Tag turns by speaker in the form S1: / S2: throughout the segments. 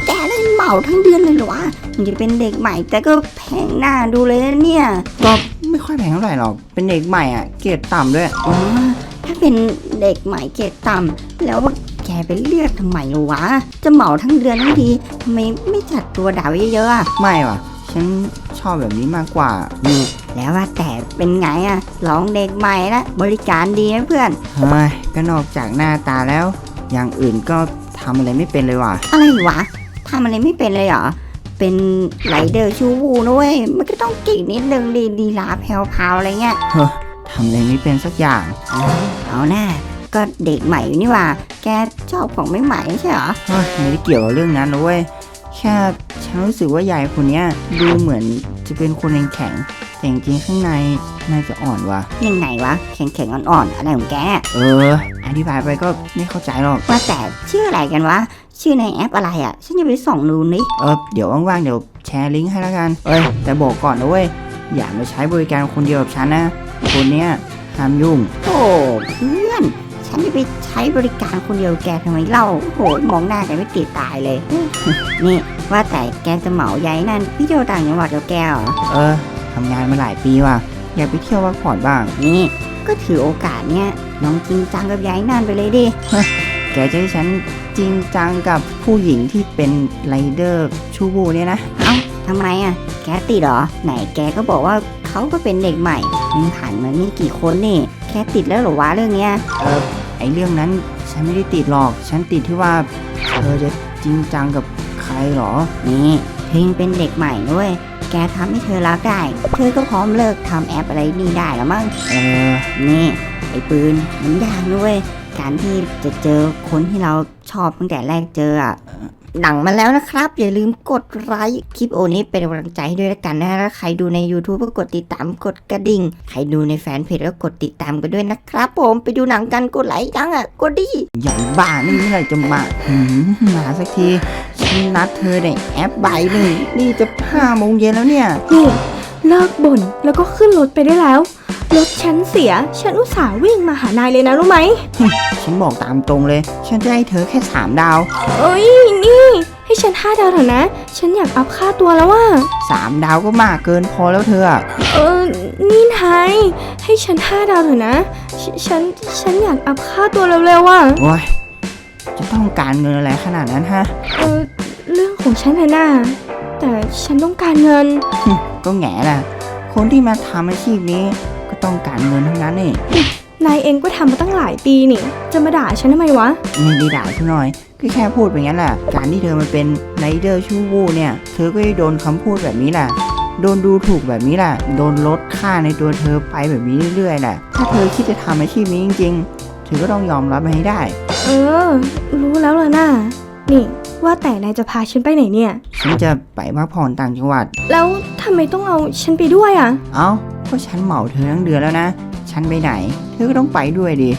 S1: แกเล่นเหมาทั้งเดือนเลยเหรอวะมันจะเป็นเด็กใหม่แต่ก็แพงหน้าดูเลยนะเนี่ย
S2: ก็ไม่ค่อยแพงเท่าไหร่หรอกเป็นเด็กใหม่อ่ะเกรดต่ำด้วย
S1: อ๋อถ้าเป็นเด็กใหม่เกรดต่ำแล้วแกไปเลือกทำไมวะจะเหมาทั้งเดือนทั้งทีทำไมไม่จัดตัวดาวเยอะๆอ่ะ
S2: ไม่ว่ะฉันชอบแบบนี้มากกว่า
S1: นี่แล้วว่าแต่เป็นไงอ่ะลองเด็กใหม่ละบริการดีไหมเพื่อน
S2: เฮ้ยก็นอกจากหน้าตาแล้วอย่างอื่นก็ทำอะไรไม่เป็นเลยว่ะ
S1: อะไรวะทำอะไรไม่เป็นเลยเหรอเป็นไรเดอร์ชูวูนะเว้ยมันก็ต้องเก่งนิดนึงดีลาแพรวๆอะไรเงี้ย
S2: ทำอะไรไม่เป็นสักอย่าง
S1: เอาหน้าก็เด็กใหม่นี่ว่าแกชอบของไม่ใหม่ใช่เหรอ
S2: ไม่ได้เกี่ยวกับเรื่องนั้นนะเว้ยแค่ฉันรู้สึกว่ายายคนนี้ดูเหมือนจะเป็นคนแข็งแต่จริงๆข้างในน่าจะอ่อนว่ะ
S1: ยังไงวะแข็งอ่อนๆอะไรของแก
S2: อธิบายไปก็ไม่เข้าใจหรอก
S1: ว่าแต่ชื่ออะไรกันวะชื่อในแอปอะไรอ่ะฉันจะไปส่องดูนี่
S2: เดี๋ยวว่างๆเดี๋ยวแชร์ลิงก์ให้แล้วกันแต่บอกก่อนนะเว้ยอย่ามาใช้บริการคนเดียวกับฉันนะคนเนี้ยห้ามยุ่ง
S1: โอ้เพื่อนฉันจะไปใช้บริการคนเดียวแกทำไมเล่าโหมองหน้าแกไม่ติดตายเลย นี่ว่าแต่แกจะเหมาย้ายนั่นพี่เที่ยวต่างจังหวัดกับแกเหรอ
S2: ทำงานมาหลายปีว่ะอยากไปเที่ยวพักผ่อนบ้าง
S1: นี่ก็ถือโอกาสเนี้ยน้องจริงจังกับย้ายนั่นไปเลยดิ
S2: แกจะให้ฉันจริงจังกับผู้หญิงที่เป็นไรเดอร์ชูบูเนี่ยนะ
S1: เอ้าทำไมอ่ะแกติดเหรอไหนแกก็บอกว่าเขาก็เป็นเด็กใหม่มันผ่านมาไม่กี่คนนี่แกติดแล้วหรอวะเรื่องเนี้ย
S2: ไอเรื่องนั้นฉันไม่ได้ติดหรอกฉันติดที่ว่าเธอจะจริงจังกับใครหรอ
S1: นี่เพิงเป็นเด็กใหม่ด้วยแกทำให้เธอรักได้เธอก็พร้อมเลิกทำแอปอะไรนี่ได้แล้วมั้งนี่ไอ้ปืนมันยากด้วยการที่จะเจอคนที่เราชอบตั้งแต่แรกเจออ่ะหนังมาแล้วนะครับอย่าลืมกดไลค์คลิปโอนี้เป็นกำลังใจให้ด้วยละกันนะถ้าใครดูใน YouTube ก็กดติดตามกดกระดิ่งใครดูในแฟนเพจก็กดติดตามกันด้วยนะครับผมไปดูหนังกันกดไลค์ยังอ่ะกดดิ
S2: ใหญ่บ้านี่เมื่อไหร่จะมาสักทีฉันนัดเธอในแอปบ่าย1นี่จะ5 โมงเย็นแล้วเนี่ย
S3: นี่เลิกบ่นแล้วก็ขึ้นรถไปได้แล้วรถฉันเสียฉันอุตส่าห์วิ่งมาหานายเลยนะรู้ไหม
S2: ฉันบอกตามตรงเลยฉันจะให้เธอแค่3 ดาว
S3: นี่ให้ฉัน5 ดาวเถอะนะฉันอยากอัพค่าตัวแล้วว่า
S2: 3 ดาวก็มากเกินพอแล้วเธอ
S3: นี่นายให้ฉัน5 ดาวเถอะนะฉันอยากอัพค่าตัวเร็วๆว่ะ
S2: โอ้ยจะต้องการเงินอะไรขนาดนั้นฮะ
S3: เรื่องของฉันน่ะแต่ฉันต้องการเงิน
S2: ก็แง่ล่ะคนที่มาทำอาชีพนี้ก็ต้องการเงินทั้งนั้นนี่
S3: นายเองก็ทำมาตั้งหลายปีนี่จะมาด่าฉันทำไมวะ
S2: ไม่ได้ด่าฉันหน่อยก็แค่พูดไปงั้นแหละการที่เธอมาเป็นไรเดอร์ชูวูเนี่ยเธอก็ได้โดนคำพูดแบบนี้แหละโดนดูถูกแบบนี้แหละโดนลดค่าในตัวเธอไปแบบนี้เรื่อยๆแหละถ้าเธอคิดจะทำอาชีพนี้จริงๆเธอก็ต้องยอมรับมันให้ได้
S3: รู้แล้วล่ะน่ะนี่ว่าแต่นายจะพาฉันไปไหนเนี่ย
S2: ฉันจะไปพักผ่อนต่างจังหวัด
S3: แล้วทำไมต้องเอาฉันไปด้วยอ่ะ
S2: ก็ฉันเหมาเธอทั้งเดือนแล้วนะฉันไปไหนเธอก็ต้องไปด้วยดิ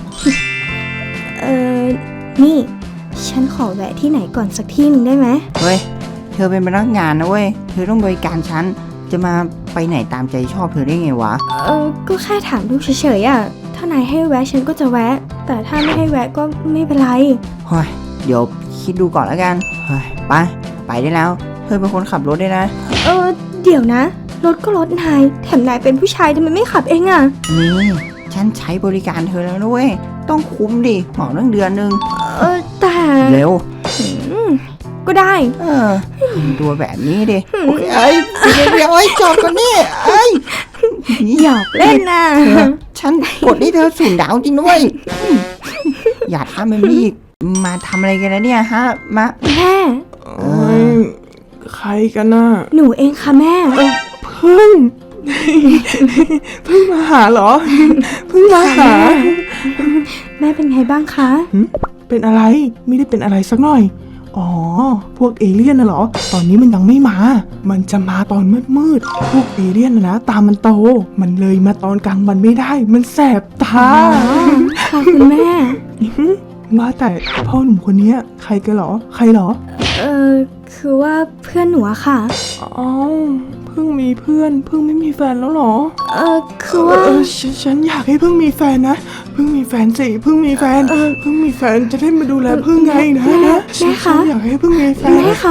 S3: นี่ฉันขอแวะที่ไหนก่อนสักที่นึงได้ไหม
S2: เฮ้ยเธอเป็นพนักงานนะเว้ยเธอต้องบริการฉันจะมาไปไหนตามใจชอบเธอได้ไงวะ
S3: ก็แค่ถามดูเฉยๆอ่ะถ้านายให้แวะฉันก็จะแวะแต่ถ้าไม่ให้แวะก็ไม่เป็นไร
S2: เฮ้ยเดี๋ยวคิดดูก่อนแล้วกันเฮ้ยไปได้แล้วเธอเป็นคนขับรถได้นะ
S3: เดี๋ยวนะรถก็รถนายแถมนายเป็นผู้ชายทำไมไม่ขับเองอ่ะ
S2: นี่ฉันใช้บริการเธอแล้วนะเว้ยต้องคุ้มดิเหมาตั้งเดือนนึง
S3: แต่
S2: เร็ว
S3: ก็ได้
S2: ตัวแบบนี้ดิเอ้ยเดี๋ยวจอดก่อนนี่
S3: หยอกเล่นนะ
S2: ฉันกดให้เธอ0 ดาวจริงด้วยอย่าทำแบบนี้อีกมาทำอะไรกันนะเนี่ยฮะมา
S3: แม่
S4: ใครกันน่ะ
S3: หนูเองค่ะแม่
S4: พึ่งมาหาเหรอพึ่งมาหา
S3: แม่เป็นไงบ้างคะ
S4: เป็นอะไรไม่ได้เป็นอะไรสักหน่อยพวกเอเลี่ยนน่ะเหรอตอนนี้มันยังไม่มามันจะมาตอนมืดพวกเอเลี่ยนนะตามันโตมันเลยมาตอนกลางวันไม่ได้มันแสบตา
S3: ค่ะคุณแม่
S4: ว่าแต่พ่อหนุ่มคนนี้ใครกันเหรอใครเหรอ
S3: คือว่าเพื่อนหนูอะค่ะ
S4: เพิ่งมีเพื่อนเพิ่งไม่มีแฟนแล้วเหรอ
S3: คือว่า
S4: ฉันอยากให้เพิ่งมีแฟนนะเพิ่งมีแฟนสิเพิ่งมีแฟนเพิ่งมีแฟนจะได้มาดูแลเพิ่งไงนะ
S3: แม่คะ
S4: อยากให้เพิ่งมีแฟน
S3: แม่คะ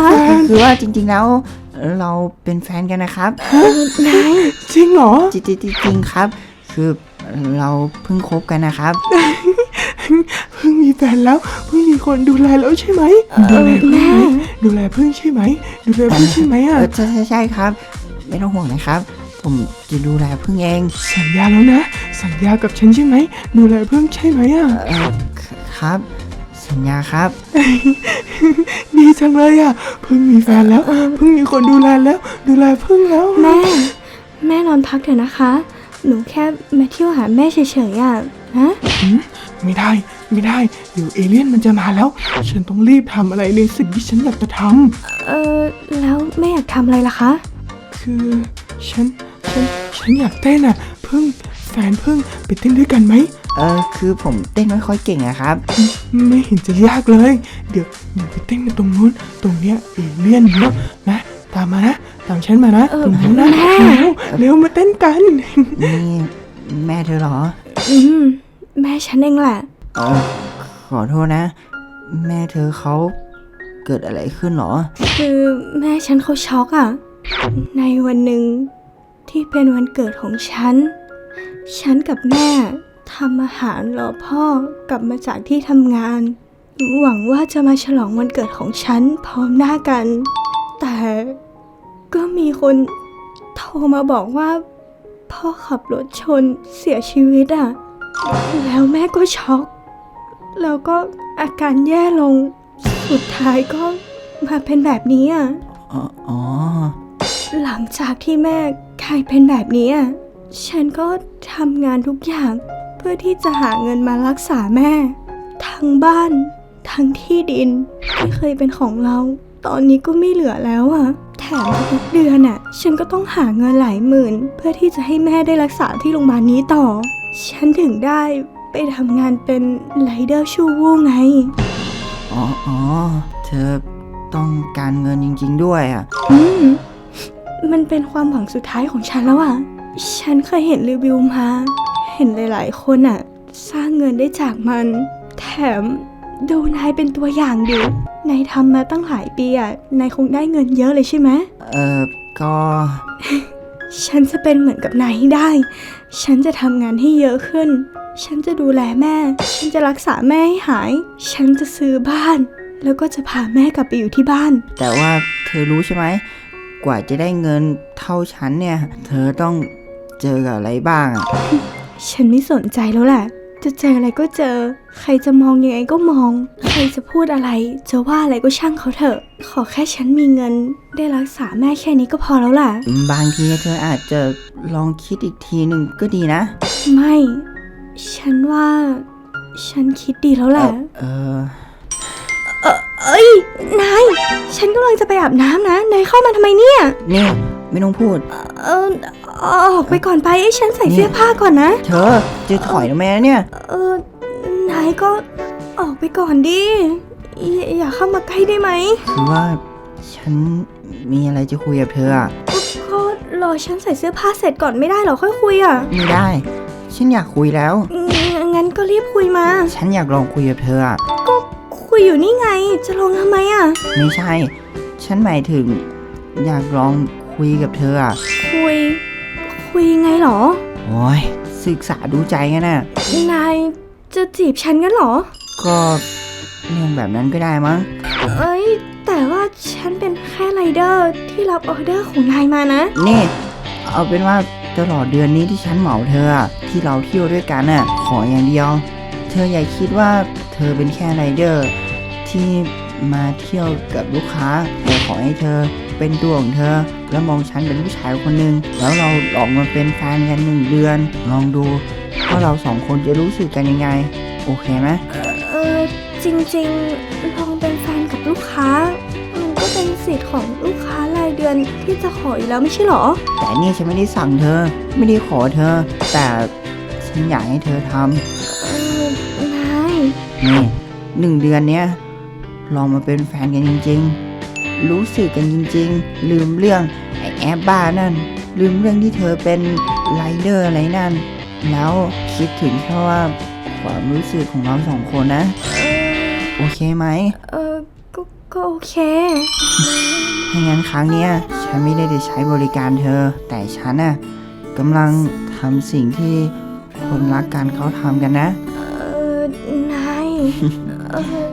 S2: คือว่าจริงๆแล้วเราเป็นแฟนกันนะครับ
S3: นาย
S4: จริงเหรอ
S2: จริงๆครับ คือเราเพิ่งคบกันนะครับ
S4: เพิ่งมีแฟนแล้วเพิ่งมีคนดูแลแล้วใช่ไหมดูแลเพิ่งไหมดูแลเพิ่งใช่ไหมดูแลเพิ่งใช่ไหมอ่ะ
S2: ใช่ครับ ไม่ต้องห่วงนะครับ ผมจะดูแลพึ่งเอง
S4: สัญญาแล้วนะ สัญญากับฉันใช่ไหมดูแลเพิ่งใช่ไหมอ่ะ
S2: ครับ สัญญาครับ
S4: ดีจังเลยอ่ะเพิ่งมีแฟนแล้วเพิ่งมีคนดูแลแล้ว ดูแลเพิ่งแล้ว
S3: แม่นอนพักเถอะนะคะ หนูแค่มาเที่ยวหาแม่เฉยๆอ่ะนะ
S4: ไม่ได้ไม่ได้เดี๋ยวเอเลี่ยนมันจะมาแล้ว ฉันต้องรีบทำอะไรในสิ่งที่ฉันอยากจะท
S3: แล้วแม่อยากทำอะไรล่ะคะ
S4: ำคือฉันอยากเต้นอ่ะเพิ่งแฟนเพิ่งไปเต้นด้วยกันไหม
S2: คือผมเต้นไม่ค่อยเก่งอะครับ
S4: ไม่เห็นจะยากเลย เดี๋ยวไปเต้นกันตรงนู้นตรงเนี้ยเอเลี่ยนเยอะนะตามมานะตามฉันมานะตรงนู้นนะเร็วมาเต้นกัน
S2: นี่แม่เธอเหรอ
S3: แม่ฉันเองแหละ
S2: ขอโทษนะ แม่เธอเขาเกิดอะไรขึ้นเหรอ
S3: คือแม่ฉันเขาช็อกอ่ะ ในวันหนึ่งที่เป็นวันเกิดของฉัน ฉันกับแม่ทำอาหารรอพ่อกลับมาจากที่ทำงาน หวังว่าจะมาฉลองวันเกิดของฉันพร้อมหน้ากัน แต่ก็มีคนโทรมาบอกว่าพ่อขับรถชนเสียชีวิตอ่ะ แล้วแม่ก็ช็อก แล้วก็อาการแย่ลง สุดท้ายก็มาเป็นแบบนี้อ่ะ
S2: อ๋อ
S3: หลังจากที่แม่กลายเป็นแบบนี้อ่ะ ฉันก็ทำงานทุกอย่างเพื่อที่จะหาเงินมารักษาแม่ ทั้งบ้านทั้งที่ดินที่เคยเป็นของเรา ตอนนี้ก็ไม่เหลือแล้วอ่ะ แถมทุกเดือนอ่ะ ฉันก็ต้องหาเงินหลายหมื่น เพื่อที่จะให้แม่ได้รักษาที่โรงพยาบาลนี้ต่อ ฉันถึงได้ไปทำงานเป็นไรเดอร์ชูวูไง
S2: อ๋อ เธอต้องการเงินจริงๆด้วยอ่ะ
S3: มันเป็นความหวังสุดท้ายของฉันแล้วอ่ะ ฉันเคยเห็นรีวิวมา เห็นหลายๆคนอ่ะ สร้างเงินได้จากมัน แถมดูนายเป็นตัวอย่างดินายทำมาตั้งหลายปีอ่ะ นายคงได้เงินเยอะเลยใช่ไหม
S2: ก็
S3: ฉันจะเป็นเหมือนกับนายให้ได้ ฉันจะทำงานให้เยอะขึ้น ฉันจะดูแลแม่ ฉันจะรักษาแม่ให้หาย ฉันจะซื้อบ้าน แล้วก็จะพาแม่กลับไปอยู่ที่บ้าน
S2: แต่ว่าเธอรู้ใช่ไหม กว่าจะได้เงินเท่าฉันเนี่ย เธอต้องเจอกับอะไรบ้างอ่ะ
S3: ฉันไม่สนใจแล้วแหละ จะเจออะไรก็เจอ ใครจะมองยังไงก็มอง ใครจะพูดอะไร จะว่าอะไรก็ช่างเขาเถอะ ขอแค่ฉันมีเงิน ได้รักษาแม่แค่นี้ก็พอแล้วล่ะ
S2: บางทีเธออาจจะลองคิดอีกทีหนึ่งก็ดีนะ
S3: ไม่ ฉันว่า ฉันคิดดีแล้วแหละ เอ้ย นาย ฉันกำลังจะไปอาบน้ำนะ นายเข้ามาทำไมเนี่ย
S2: นี่ไม่ต้องพูด
S3: ออกไปก่อนไปให้ฉันใส่เสื้อผ้าก่อนนะ
S2: เธอจะถอยทำไมนะเนี่ย
S3: นายก็ออกไปก่อนดิ อย่าเข้ามาใกล้ได้ไหม
S2: คือว่าฉันมีอะไรจะคุยกับเธออ่ะ
S3: ก็รอฉันใส่เสื้อผ้าเสร็จก่อนไม่ได้เหรอค่อยคุยอ่ะ
S2: ไม่ได้ ฉันอยากคุยแล้ว
S3: งั้นก็รีบคุยมา
S2: ฉันอยากลองคุยกับเธออ่ะ
S3: ก็คุยอยู่นี่ไง จะลงทำไมอ่ะ
S2: ไม่ใช่ ฉันหมายถึง อยากลองคุยกับเธออ่ะ
S3: คุยยังไงเหรอ
S2: โอ้ยศึกษาดูใจกันน่ะ
S3: นายจะจีบฉันกันเหรอ
S2: ก็เรื่องแบบนั้นก็ได้มั้ง
S3: เอ้ย แต่ว่าฉันเป็นแค่ไรเดอร์ที่รับออเดอร์ของนายมานะ
S2: นี่ เอาเป็นว่าตลอดเดือนนี้ที่ฉันเหมาเธออะที่เราเที่ยวด้วยกันน่ะ ขออย่างเดียว เธออย่าคิดว่าเธอเป็นแค่ไรเดอร์ที่มาเที่ยวกับลูกค้าแต่ขอให้เธอเป็นตัวของเธอ แล้วมองฉันเป็นผู้ชายคนหนึ่งแล้วเราลองมาเป็นแฟนกัน1 เดือน ลองดูว่าเรา2 คนจะรู้สึกกันยังไง โอเคไหม
S3: จริงๆ ลองเป็นแฟนกับลูกค้า มันก็เป็นสิทธิ์ของลูกค้ารายเดือนที่จะขออยู่แล้วไม่ใช่เหรอ
S2: แต่นี่ฉันไม่ได้สั่งเธอ ไม่ได้ขอเธอ แต่ฉันอยากให้เธอท
S3: นาย
S2: ำนี่1 เดือนเนี้ยลองมาเป็นแฟนกันจริงๆ รู้สึกกันจริงๆ ลืมเรื่องไอ้แอบบ้านั่น ลืมเรื่องที่เธอเป็นไรเดอร์อะไรนั่น แล้วคิดถึงแค่ว่าความรู้สึกของเรา2 คนนะ โอเคไหม
S3: ก็โอเค
S2: ถ้างั้นครั้งเนี้ยฉันไม่ได้จะใช้บริการเธอ แต่ฉันน่ะกำลังทำสิ่งที่คนรักกันเขาทำกันนะ
S3: นาย เออ